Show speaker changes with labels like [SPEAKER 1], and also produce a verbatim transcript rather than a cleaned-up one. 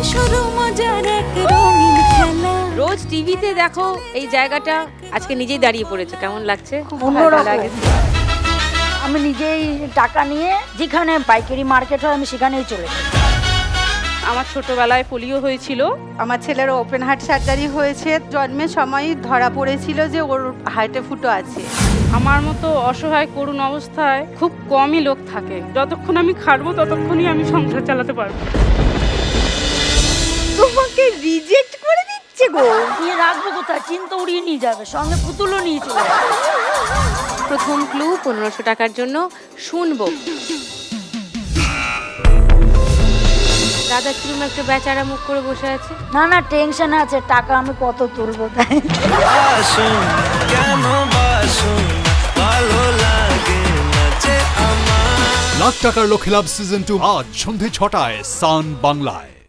[SPEAKER 1] শুরু মজার এক রঙিন খেলা।
[SPEAKER 2] রোজ টিভিতে দেখো এই জায়গাটা, আজকে নিজেই দাঁড়িয়ে পড়েছে, কেমন লাগছে?
[SPEAKER 3] অন্যরকম। আমি নিজেই টাকা নিয়ে যেখানে পাইকারি মার্কেট হয় আমি সেখানেই চলে যাই।
[SPEAKER 2] আমার ছোটবেলায় পোলিও হয়েছিল।
[SPEAKER 4] আমার ছেলের ওপেন হার্ট সার্জারি হয়েছে, জন্মের সময়ই ধরা পড়েছিল যে ওর হার্টে ফুটো আছে।
[SPEAKER 2] আমার মতো অসহায় করুণ অবস্থায় খুব কমই লোক থাকে। যতক্ষণ আমি খাটবো ততক্ষণই আমি সংসার চালাতে পারবো।
[SPEAKER 4] তোমাকে রিজেক্ট করে দিচ্ছে গো।
[SPEAKER 3] নিয়ে রাখবো কোথায়? চিন্তা উড়িয়ে নিয়ে যাবে, সঙ্গে পুতুলও নিয়ে চলে যাবে।
[SPEAKER 2] প্রথম ক্লু পনেরোশো টাকার জন্য শুনবো। দাদা কিরম একটা বেচারা মুখ করে বসে আছে।
[SPEAKER 3] না না টেনশন আছে, টাকা আমি কত তুলবো তাই।
[SPEAKER 5] বাসুন কেন বাসুন ভালো লাগে না যে আমার।
[SPEAKER 6] লাখ টাকার লক্ষ্মী লাভ সিজন টু আজ সন্ধে ছটায় সান বাংলায়।